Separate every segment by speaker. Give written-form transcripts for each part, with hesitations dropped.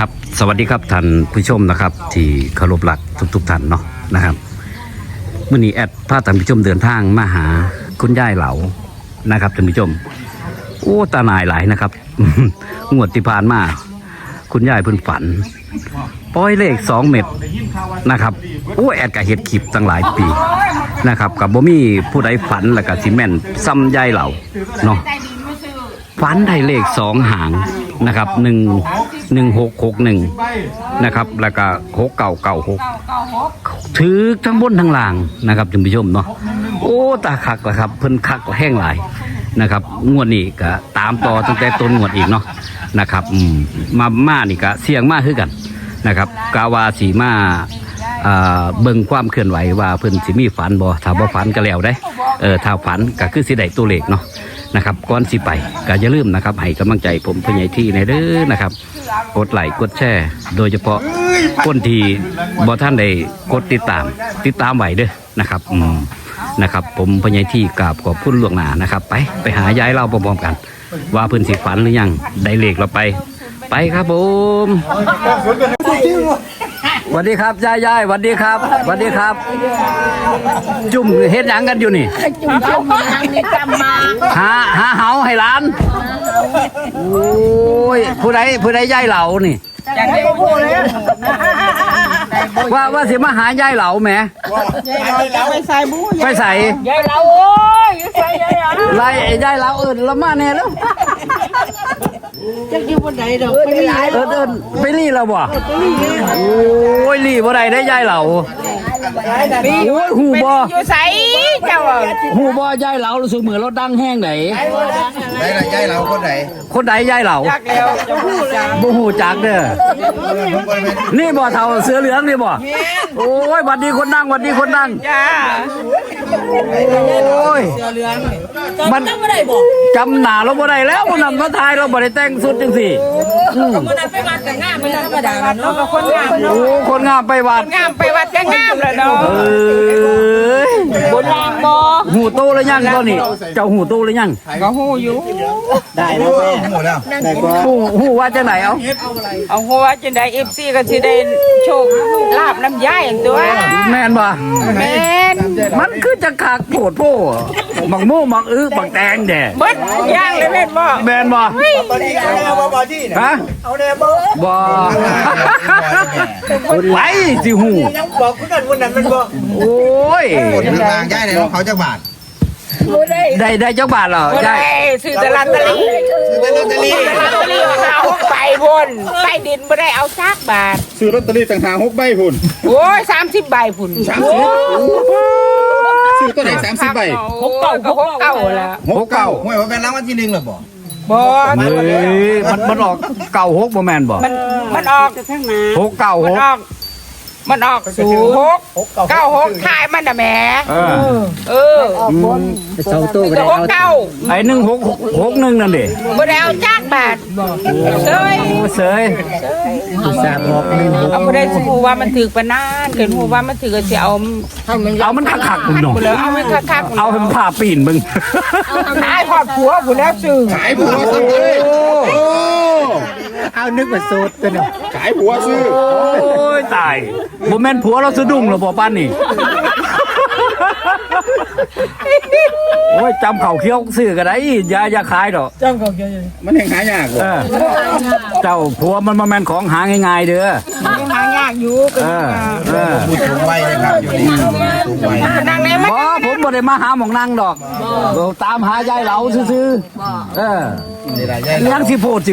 Speaker 1: ครับสวัสดีครับท่านผู้ชมนะครับที่เคารพรักทุกท่านเนาะนะครับมื่อนี้แอดพาท่านผู้ชมเดินทางมาหาคุณยายเหลานะครับท่านผู้ชมโอ้ตาหน่ายหลายนะครับ งวดที่ผ่านมาคุณยายเพิ่นฝันปล่อยเลข2 เม็ดนะครับโอ้แอดกับเฮ็ดคลิปตั้งหลายปีนะครับกับบ่มีผู้ใดฝันแล้วก็สิแม่นซ้ำยายเหลาเนาะฝันได้เลข2 หางนะครับ1661นะครับแล้วก็6996ถือทั้งบนทั้งล่างนะครับท่านผู้ชมเนาะโอ้ตาคักละครับเพิ่นคักแห้งหลายนะครับงวดนี้ก็ตามต่อตั้งแต่ต้นงวดอีกเนาะนะครับมานี่ก็เสี่ยงมากคือกันนะครับกาวาสีมาเบิ่งความเคลื่อนไหวว่าเพิ่นสิมีฝันบ่ถ้าบ่ฝันก็แล้วได้ถ้าฝันก็คือสิได้ตัวเลขเนาะนะครับก่อนสิไปก็อย่าลืมนะครับให้กำลังใจผมผู้ใหญ่ที่ในเด้อนะครับกดไลค์กดแชร์โดยเฉพาะคนที่บ่ท่านได้กดติดตามไว้เด้อนะครับนะครับผมผู้ใหญ่ที่กราบขอบคุณล่วงหน้านะครับไปหายายเล่าพร้อมๆกันว่าเพิ่นสิฝันหรือยังได้เลขเราไปครับผมสวัสดีครับยายสวัสดีครับสวัสดีครับจุ่มเฮ็ดหยังกันอยู่นี่
Speaker 2: จุ่มนี่จำมา
Speaker 1: หาเหาให้ร้านโอ้ยผู้ใดยายเหลานี่ว่าสิมาหายายเหลาแหมไปใส่
Speaker 2: ยายเหลาโอ้ยใส่ยายเหลา
Speaker 1: ไล่ยายเหลาละมาแน่แล้ว
Speaker 2: จะอยู่บนไหนดอก
Speaker 1: ไปรีเราบ่โอ้ยรีบ่ได้ได้ยายเหลาโอ้ยหูบ่
Speaker 2: อยู่ใส่เจ้า
Speaker 1: หูบ่ยายเหลารู้สึกเหมือนรถดังแห้งไหน
Speaker 3: ได้ละยายเหลา
Speaker 1: คนใดยายเหลา
Speaker 2: จักแล้วจะพูดจัง
Speaker 1: บ่ฮู้จักเด้อนี่บ่เฒ่าเสือเหลืองนี่บ่โอ้ยหวัดดีคนดังหวัดดีคนดัง
Speaker 2: จ้า
Speaker 1: โอ้ย
Speaker 2: เสือเหลือง
Speaker 1: มันจำหน้าเราบ่ได้แล้วมันนำมาถ่ายเราบ่ได้แต่งสุดจังซี่
Speaker 2: มันนั้นไปวัดแต่งามมันธรรมดาเนาะก็คนงามเนาะ
Speaker 1: โอ้คนงามไปวัด
Speaker 2: งามไปวัดก็งามแล้วเนาะบนรางบ่
Speaker 1: หูโตแล้วยังตอนนี้เจ้าหูโตแล้วยัง
Speaker 2: ก็หูอยู่
Speaker 3: ได้แล้วแม่หมดแล้วได้กว่า
Speaker 1: หูว่าจังไหน
Speaker 2: เอาหัวจังได๋ FC ก็สิได้โชคลาบน้ำยายอย่างตัว
Speaker 1: แม่นบ่
Speaker 2: แม่น
Speaker 1: มันคือจะคักโผดโพบักโม่บักบักแตงแด่
Speaker 2: เบิดย่างเลยแม่นบ่
Speaker 1: แม่นบ่ฮะ
Speaker 3: เอาแน่บ่
Speaker 1: ไหลสิหู
Speaker 3: ยังบอกคือกันวันนั้นมันบ่
Speaker 1: โอ้ย
Speaker 3: ทางยายได้เขาจักบาท
Speaker 1: ได้จักบาทเหรอยาย
Speaker 2: ซื้อตลาดตะลีเอาไปบนไปดินบ่ได้เอาซักบาท
Speaker 4: ซื้อลอตเตอรี่ต่างหาก6 ใบพุ่น
Speaker 2: โอ้ย30 ใบพุ่น
Speaker 4: ซื้อตัวไหน30 ใบ
Speaker 2: 6 9แล้ว
Speaker 3: 6 9ห้วยว่าเป็นรางวัลที่1หรอบ่
Speaker 1: มันออก96บ่แม่นบ่
Speaker 2: มันออก
Speaker 1: 696
Speaker 2: มันออก0696ถ่ายมันน่ะแหม
Speaker 3: ออกบนเสาตู้บ่ได้เอา
Speaker 1: ไอ้1661นั่นดิ
Speaker 2: บ่ได้เอาจักบาทเสยเอาบ่ได้สิฮู้ว่ามันถึกปานนั้นเกินฮู้ว่ามันถึกก็สิเอา
Speaker 1: มันคักๆพุ่นเนาะ
Speaker 2: เอามันคักๆ
Speaker 1: เอาให้มันพาปีนมึง
Speaker 2: ขายพอดผัวพุ่นแล้วซื้อ
Speaker 4: ขายผัวซื้อ
Speaker 3: เอานึกว่าสูตรตัวนึง
Speaker 4: ขายผัวซื้อ
Speaker 1: โอ้ยตายบ่แม่นผัวเราสะดุ้งหรอบ่ปานนี่โอ้ยจำเขาเคี้ยวซื้อก็ได้อย่าขายดอก
Speaker 2: จำเขาเคี้ยว
Speaker 4: มันแห่งหายาก
Speaker 1: เจ้าผัวมันบ่แม่นของหาง่ายๆเด้อ
Speaker 2: หายากอยู่
Speaker 3: พูดถึงไว้นะครับอยู่นี่สูงไว้
Speaker 2: นั่งไหนมั้ย
Speaker 1: ผมบ่ได้มาหาหม่องนั่งดอกตามหายายเหลาซื่อๆยังสิโพด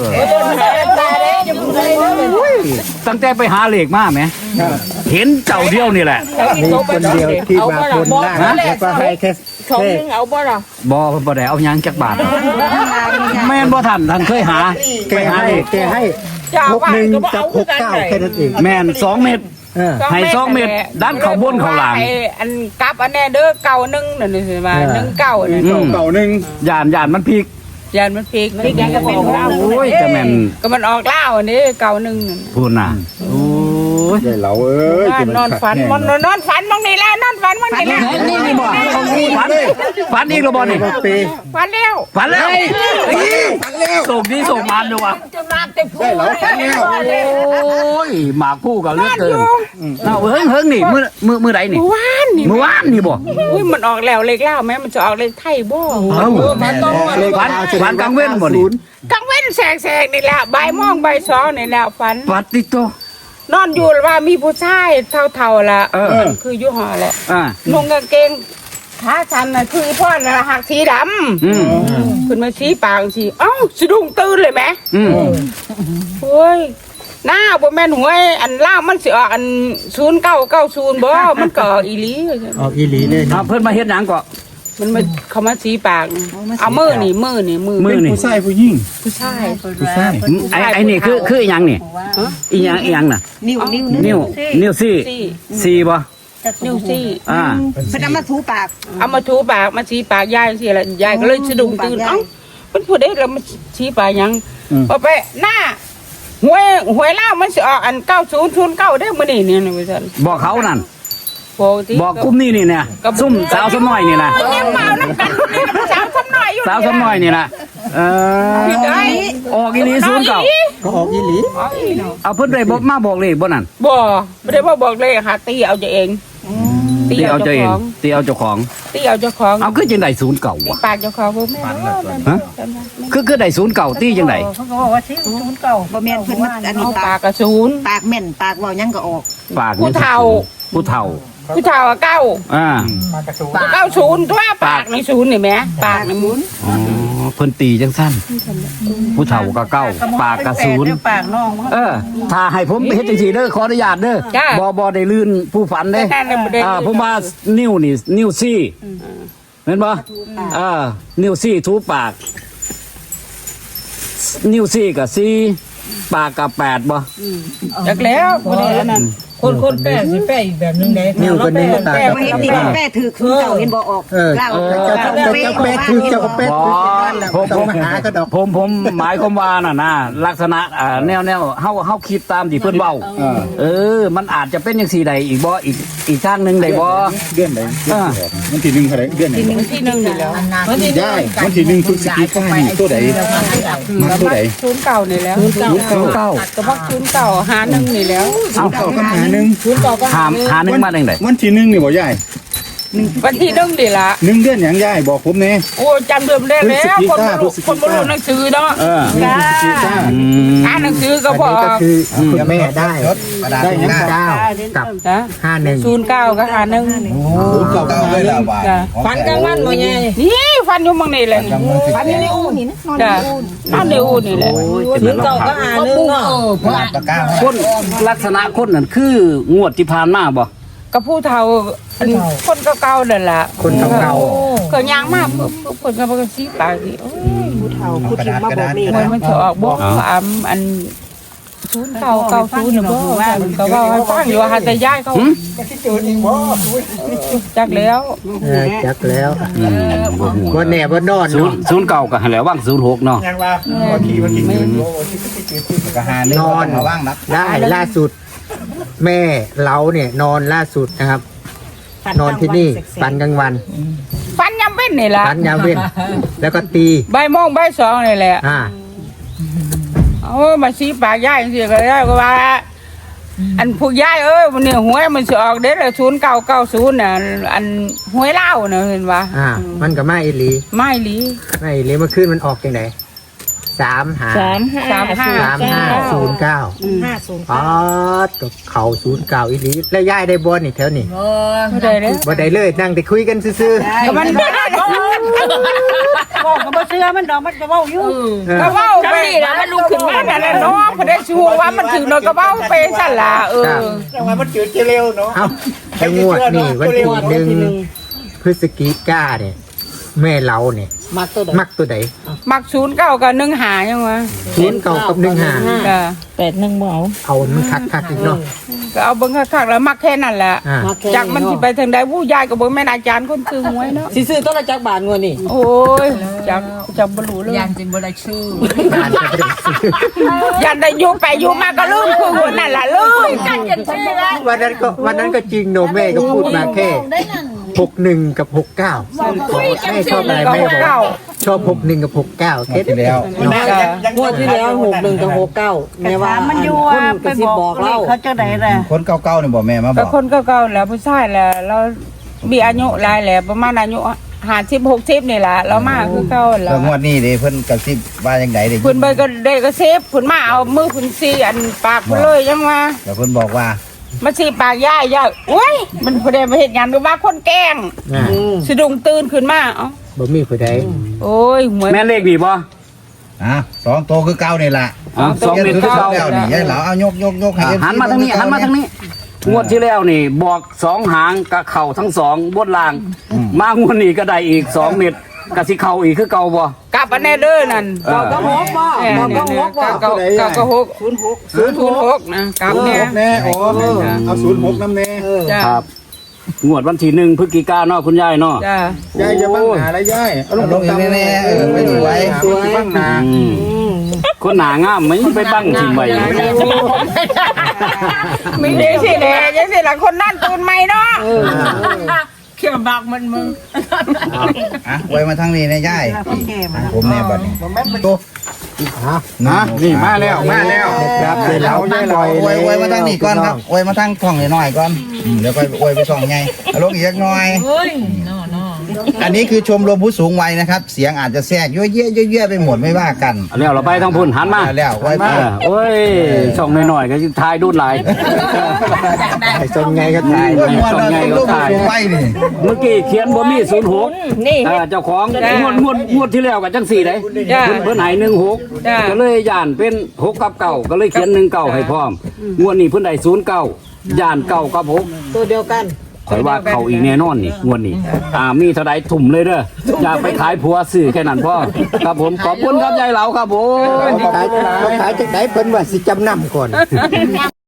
Speaker 1: ตั้งแต่ไปหาเลขมาไหมเห็นเจ้าเดียวนี่แหละ
Speaker 3: มีคนเดียวที่มาคนล่างแล้วก็ให้แค่
Speaker 2: 2 นึงเอาบ่ล่ะ
Speaker 1: บ่ได้เอาหยังจักบาทแม่นบ่ทันเคยหา
Speaker 3: ไปหาเลขแกให้61กับ69แค่นั้นเอง
Speaker 1: แม่น2 เม็ดให้2 เม็ดดันเข้าบนเข้าหลัง
Speaker 2: อันกลับอันแน่เด้อ91นั่นสิว่า19นี่
Speaker 4: 91
Speaker 1: ย่านมันพลิก
Speaker 2: ยานมันพลิกยังก็เป็น
Speaker 1: โอ้ยแต่แม่น
Speaker 2: ก็มันออกล่าวอันนี้91
Speaker 1: พูดน่ะโอ้ยย
Speaker 4: ได้เหลาเอ้ย
Speaker 2: นอนฝันมันนอนฝันมองนี่แล้วนอนฝันมองนี่แล้ว
Speaker 1: นี่บ่ฝันอีกแล้วบ่นี่
Speaker 3: ปี
Speaker 2: ฝันแล้ว
Speaker 1: ฝันแล้ว
Speaker 4: ฝันแล้ว
Speaker 1: ส่งนี้ส่งมันด้วยวะ
Speaker 4: ได้เหลาฝันแล้ว
Speaker 1: โอ้ยหมากผู้กับเลือดเกินเอาเฮิงนี่มือใดนี่
Speaker 2: วานนี่
Speaker 1: เมื่อวานนี่บ่
Speaker 2: อุ้ยมันออกแล้วเลขเล่าแม่มันจะออกเลขไทยบ่
Speaker 1: เอ้าฝันกลางเว้นบ่นี่
Speaker 2: กลางเว้นแสกๆนี่แหละบ่ายโมงบ่ายสองนี่แหละฝัน
Speaker 1: ปัดติโต
Speaker 2: นอนอยู่ว่ามีผู้ชายเท่าๆละคืออยู่หอแหละ
Speaker 1: อ่า
Speaker 2: นุ่งกางเกงขาชันน่ะคือพ่อน่ะหักสีดำ
Speaker 1: อืม
Speaker 2: ขึ้นมาชี้ปากสิเอ้าสะดุ้งตื่นเลยไหม
Speaker 1: อืม
Speaker 2: โอ้ยหน้าบ่แม่นหวยอันล่างมันสิออกอัน0990บ่มันก็ออกอีหลี
Speaker 3: ออกอีหลีเลย
Speaker 1: เอาเพิ่นมาเฮ็ดหยังก็
Speaker 2: มันมาเขามาชี้ปากเอามือนี่มือ
Speaker 1: มือนี่
Speaker 4: ผู้ชายผู้หญิง
Speaker 2: ผู้ชาย
Speaker 4: ผู้ชาย
Speaker 1: ไอ้นี่คืออีหยังนี่อีหยังน่ะ นิ้วซี่บ่
Speaker 2: นิ้วซี่
Speaker 1: อ่า
Speaker 5: เพิ่นเอามาถูปาก
Speaker 2: เอามาถูปากมาชี้ปากยายสิละยายก็เลยสะดุ้งตื่นเอ้ามันพูดได้แล้วมันชี้ปากหยังพอไปหน้าหวยล่าวมันสิออกอัน9009ได้มื้อนี้เนี่ยว่าซั่น
Speaker 1: บอกเขานั่น
Speaker 2: บอก
Speaker 1: บอกกลุ่มนี้นี่เนี่ยซุ่มสาวสน้อยนี่นะ
Speaker 2: ยังเมาน้ำกันนี่สาวซ้ำหน่อยอยู่
Speaker 1: สาวสน้อยนี่นะ
Speaker 2: ได้
Speaker 1: ออกอีหลีศูนย์เก่า
Speaker 3: ก็ออกอีหลี
Speaker 1: เอาเพิ่นได้บอกมาบอกเลยบ่นั่น
Speaker 2: บ่ไม่ได้บอกเลยหาตีเอาเองตี
Speaker 1: ตี
Speaker 2: เอา
Speaker 1: เอา
Speaker 2: เจ้า
Speaker 1: เจ้าเอง
Speaker 2: ของ
Speaker 1: ตีเอาเจ้าของ
Speaker 2: ตีเอาเจ้าของ
Speaker 1: เอาคือจังได๋ศูนย์เก่าวะ
Speaker 2: ปากเจ้าของบ่แม่
Speaker 1: ฮะคือได้ศูนย์เก่าตีจังได๋
Speaker 5: เขาก็บอกว่าสิศูนย์เก่าบ่แม่นเพิ่นมาอันนี้
Speaker 2: เอา
Speaker 5: ปา
Speaker 2: ปาก กกระศูนย์
Speaker 5: ปากแม่นปากเว้าหยังก็ออก
Speaker 1: ปาก
Speaker 2: ผู้เฒ่า
Speaker 1: ผู้เฒ่า
Speaker 2: ผู้เฒ่าอะเก้า
Speaker 1: อ่า
Speaker 2: 90ตัวปากในศูนย์นี่แหมปากในมุน
Speaker 1: อ๋อเพิ่นตีจังซั่นผู้เฒ่าก็เก้าปากก็ศูนย์
Speaker 5: ปากน้อง
Speaker 1: ถ้าให้ผมเฮ็ดจังซี่เด้อขออนุญาตเด้อบ่ได้ลื่นผู้ฝันเด้
Speaker 2: นั่นน่ะบ่ได้
Speaker 1: ผมว่านิ้วนี่นิ้วซี่เห็นบ่นิ้วซี่ทูปาก นิ้วซี่กับซี่ปากกับ8บ่
Speaker 2: จักแล้วบ่ได้อันนั้น
Speaker 6: คนแป้สิแป้อีกแบบนึงเด้
Speaker 3: นิ้วคนนี้ตา
Speaker 5: บ่เห็นติแป้ถือคือเก่าเห็นบ่ออกเล่า
Speaker 3: เจ้าเป็ดคือเจ้าเป็ดคือต้องมาหาก็ดอก
Speaker 1: ผมหมายความว่าน่ะนะลักษณะแนวเฮาคิดตามที่เพิ่นเว้ามันอาจจะเป็นจังซี่ใดอีกบ่อีกทางหนึงได้บ่
Speaker 4: เดือนไหนมันที่หนึ่งเท่าไหร่เดือนไหน
Speaker 2: ที่1นี่แล้ว
Speaker 4: ได้มันที่หนึ่งพฤศจิกายนตัวไหนมาตัวไหน
Speaker 2: ศูนย์เก่านี่แล้ว
Speaker 1: 09
Speaker 2: ก็บอกศูนย์เก่าหา1นี่แล้ว
Speaker 4: เอาเข้ากันหาหนึ่ง
Speaker 1: หานึงมาจังได๋
Speaker 4: วันที่หนึ่งนี่บ่ยาย
Speaker 2: วันที่1นี่ล่ะ
Speaker 4: หนึ่งเดือนหยังยายบอกผมแน่
Speaker 2: โอ้จำเดิมได้แล้วคนบ่รู้หนังสือเนาะ
Speaker 4: พฤศจิกายน
Speaker 2: อ่านหนังสือก็
Speaker 3: อัน
Speaker 2: บอ
Speaker 3: นี้
Speaker 2: ก
Speaker 3: ก็คือคุณแม่ได้ได้ยัง9กับ
Speaker 2: จ้ะ
Speaker 3: 51
Speaker 2: 09ก็หา1
Speaker 4: เก่าเลยล่ะว่า
Speaker 2: จ้ะ
Speaker 6: ฟันกลางวันบ่ใหญ่
Speaker 2: นี่ฟันอยู่มังนี่แหละฟันอยู่ในอูนี่นะจ้ะนอนในอูนี่แหละ
Speaker 6: ศูนย์เก่าก็หานึงเนาะ
Speaker 1: คนลักษณะคนนั่นคืองวดที่ผ่านมาบ่
Speaker 2: กับผู้เฒ่าคนเก่าๆนั่นล่ะ
Speaker 3: คนเก่า
Speaker 2: ก็ย่างมากคนก็บ่สิปากสิโอ้ย
Speaker 5: ผู้เฒ่าผู้ที่มาบอกนี่
Speaker 2: มันจะออกบ่อัน0990น่ะบ่ก็ว่าให้ฟังอยู่หาแต่ยายเขาจักแล้ว
Speaker 3: จักแล้วบ่แน่บ่นอน
Speaker 1: 09ก็ให้แล้ววาง06เนาะ
Speaker 4: ก็หาหนึ่ง
Speaker 3: นอน
Speaker 4: มาว่างนัก
Speaker 3: ได้ล่าสุด แม่เราเนี่ยนอนล่าสุดนะครับ นอนที่นี่ปันกลางวัน
Speaker 2: ฟันยำเว้นนี่ล่ะ
Speaker 3: ปันยามเว้นแล้วก็ตี
Speaker 2: บ่ายโมงบ่ายสองนี่แหละ เอามาชี้ปากยายจังซี่ก็ได้ก็ว่า อันผู้ยายมันเนี่ยหวยมันสิออกเด้อ0990น่ะอันหวยลาวน่ะเห็นว่า
Speaker 3: มันก็มาอีหลี
Speaker 2: ไม่หลี
Speaker 3: ไม่อีหลีเมื่อคืนมันออกจังได3509อ๋อตกเขา09อีหลีแล้วยายได้บ่นี่แถวนี้
Speaker 2: บ่ได้เด้อ
Speaker 3: บ่ได้เลยนั่งแต่คุยกันซื่อ
Speaker 2: ก็มันบ่ได้
Speaker 5: บอกก็บ่เชื่อมันดอกมันก็เว้าอยู่
Speaker 2: ก็เว้าไปแล้วมันลุกขึ้นมานั่นน่ะเนาะบ่ได้ชูว่ามันถึงเนาะก็เว้าไปซั่นล่ะ
Speaker 3: ๆเอาไอ้งวดนี่วันที่1พฤศจิกายนเนี่ยแม่เราเนี่ย
Speaker 6: มาตัว
Speaker 3: มักตัวใด
Speaker 2: มัก09กับ15ยังวะ
Speaker 3: 09กับ15
Speaker 2: จ้ะ
Speaker 6: 81บ่เอา
Speaker 3: เอามันคักๆอีกเนาะ
Speaker 2: ก็เอาเบิ่งคักๆแล้วมักแค่นั้นแหละ
Speaker 3: อ่า
Speaker 2: จากมันสิไปทางใดผู้ยายก็บ่แม่นอาจารย์คนซื้อหวยเนาะ
Speaker 6: สิซื้อต้นละจักบาทงวดนี่
Speaker 2: โอ้ยจากบ่รู้เลย
Speaker 6: ยันจิบ่ได้ชื่อ
Speaker 2: ยันได้อยู่ไปอยู่มาก็ลืมคือหัวนั่นล่ะลืมกันจนใช่ไหม
Speaker 3: วันนั้นก็จริงโนแม่ก็พูดมาแค่61กับ69แม่ชอบอะไรแม่บอกชอบ61กับ69แค่
Speaker 4: ที่แล้ว
Speaker 6: งวดที่แล้ว61กับ69แม่ว่า
Speaker 5: มันอยู่
Speaker 6: คน
Speaker 5: ไป
Speaker 6: ก็สิ
Speaker 5: บบ อ
Speaker 6: อก ก
Speaker 5: เรา
Speaker 6: เรา
Speaker 5: เขาจะไหนล่ะ
Speaker 4: คนเก่าๆนี่บ่แม่มาบ
Speaker 2: ก็
Speaker 4: อก
Speaker 2: คนเก่าๆแล้วผู้ชายแหละเรามีอายุหลายแหละประมาณอายุ50 60นี่ล่ะเรามาคือเก่าแล้
Speaker 4: แล้ว วงวดนี้เด้เพิ่นกระซิบว่าจังไดเด้
Speaker 2: เพิ่นไปก็ได้ก็เซฟเพิ่นมาเอามือเพิ่นซีอันปากไปเลยยังว่า
Speaker 4: แล้วเพิ่นบอกว่า
Speaker 2: มาซีปากย่ายโอ้ยมันบ่ได้มาเฮ็ดงานหรือว่าคนแกล้งสะดุ้งตื่นขึ้นมาเอ้า
Speaker 3: บ่มีผู้ใด
Speaker 2: โอ้ยหวย
Speaker 1: แม่นเลขดีบ่
Speaker 4: 2โตคือเก่านี่ล่ะ
Speaker 1: 2เม็ดคือเก่า
Speaker 4: แล้วนี่ยายเหลาเอายกให้
Speaker 1: หันมาทางนี้หันมาทางนี้งวดที่แล้วนี่บอก2หางกับเข่าทั้ง2บนล่างมางวดนี้ก็ได้อีก2เม็ดก็สิเข้าอีกคือเก่าบ่
Speaker 2: กลับอันแน่เด้อนั่น
Speaker 6: ก็หกบ่บอกก็หกบ่
Speaker 2: ก็06นะกลับเนี่ย
Speaker 4: แน่อ๋อเอา06นำแน่
Speaker 2: จ้า
Speaker 1: ครับงวดวันที่1พฤศจิกายนเนาะคุณยายเนาะ
Speaker 2: จ้า
Speaker 4: ยายอย่าบังหน้าละยายเอาลงอีกแน่ๆไปสวยบังหน้า
Speaker 1: คนหนางามไหมไปบังทิมไว้
Speaker 2: มีเด็กสิแหละยังสิละคนนั่นตื่นใหม่เนาะเขี่ยบักมันมึง
Speaker 4: ไว้มาทางนี้นะยายผมแน่บัดนี้โต
Speaker 3: นะนี่มาแล้ว
Speaker 4: ครับเดี๋ยวเราไว้มาทางนี้ก่อนครับไว้มาทางช่องหน่อยก่อนเดี๋ยวไปไว้ไปช่องไงลงอีกสักหน่อยอันนี้คือชมรมผู้สูงวัยนะครับ เสียงอาจจะแทรกเยอะๆไปหมดไม่ว่ากัน
Speaker 1: แล้วเราไปทางพุ่นหันมา
Speaker 4: แล้วไว้ไป
Speaker 1: โอ้ยช่องหน่อยๆก็ทายดูดหลาย
Speaker 3: ไอ้ทรงไงก็ตาย
Speaker 4: มวนเราชมรมผู้สูงวัยนี่
Speaker 1: เมื่อกี้เขียนบ่มี06
Speaker 2: นี่
Speaker 1: เจ้าของงวดที่แล้วกับจัง4ได้
Speaker 2: จ้า
Speaker 1: เพิ่นให้16
Speaker 2: จ้า
Speaker 1: ก็เลยย่านเป็น6กับ9ก็เลยเขียน19ให้พร้อมงวดนี้เพิ่นได้09ย่าน9กับ6
Speaker 6: ตัวเดียวกัน
Speaker 1: ข่อยว่าเขาอีกแน่นอนนี่งวดนี้มีเท่าใดถุ่มเลยเด้ออย่าไปขายผัวซื้อแค่นั้นพ่อครับผมขอบคุณครับยายเหลาครับผม
Speaker 3: ขายจากไหนเพิ่นว่าสิจำนำก่อน